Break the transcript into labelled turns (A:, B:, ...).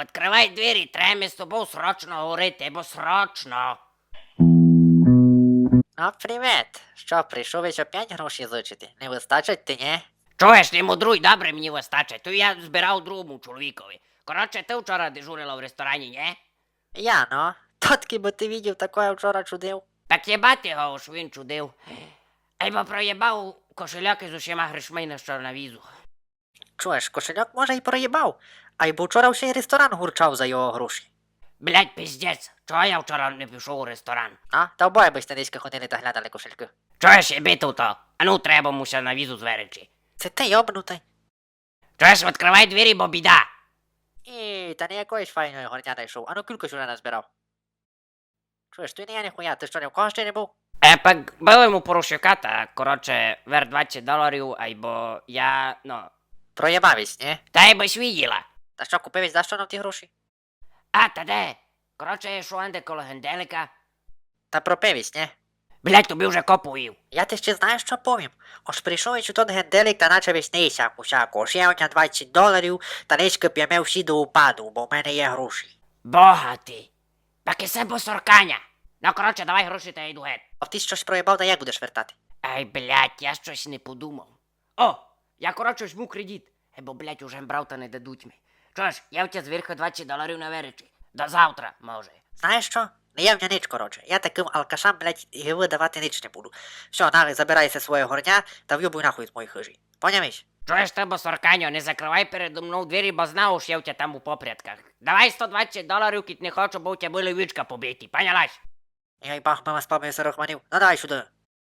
A: відкривай двері, треба з тобою срочно говорити, бо срочно.
B: А, привіт. Що, прийшов ось опять гроші зичити? Не вистачить ти, ні?
A: Чуєш, не мудруй, добре мені вистачить, то я збирав другому чоловікові. Коротше, ти вчора дежурила в ресторані, ні?
B: Я, ну. Тотки би ти видів, такое вчора чудив.
A: Так єбати його, що він чудив. Або проєбав кошельок із усіма грішми на що на візу.
B: Чуєш, кошельок може й проїбав, а й бо вчора ще й ресторан гурчав за його гроші.
A: Блять, піздець, чого я вчора не пішов у ресторан?
B: А, та обоє би десь ходили та глядали кошельки.
A: Чуєш, єбіту то? А ну треба муся на візу зверечи.
B: Це ти йобнутий.
A: Чуєш, відкривай двері, бо біда.
B: І, та не якоїсь файної горня знайшов, а ну кілько сюди назбирав. Чуєш, ти не я ніхуя, ти що, ні в кого ще не був?
A: Так був йому порушика, та, коротше, вер $20, або я, ну...
B: Проєбавість, ні?
A: Та й бись виділа.
B: Та що, купивись, за що нам ті гроші?
A: А, та де? Коротше, я йшов анде коло генделика.
B: Та пропивість, ні?
A: Блять, тобі вже копуїв.
B: Я ти ще знаєш, що повім? Ось прийшов і тот генделик та наче веснися всяку. Ще у нього $20, та личко п'яме всі до упаду, бо в мене є гроші.
A: Бога ти. Так і се босорканя. Ну, коротше, давай гроші та я йду геть.
B: А ти щось проїбав, та як будеш вертати?
A: Ай, блять, я щось не подумав. О, я, коротше, візьму кредит. Бо, блять, уже брав та не дадуть ми. Чуєш, я в тебе зверху $20 на веречі. До завтра, може.
B: Знаєш що? Не є в мене ніч, коротше. Я таким алкашам, блядь, гиви давати ніч не буду. Все, нави, забирайся своє горня та в'юбуй нахуй з моїх хижі. Поняміш?
A: Чуєш ти, босорканьо, не закривай передо мною двері, бо знав, що я в тебе там у попрядках. Давай $120, кіт не хочу, бо у тебе були вічка побиті. Понялась?
B: Ей, бах, мама з папою сорок манів. Ну давай сюди.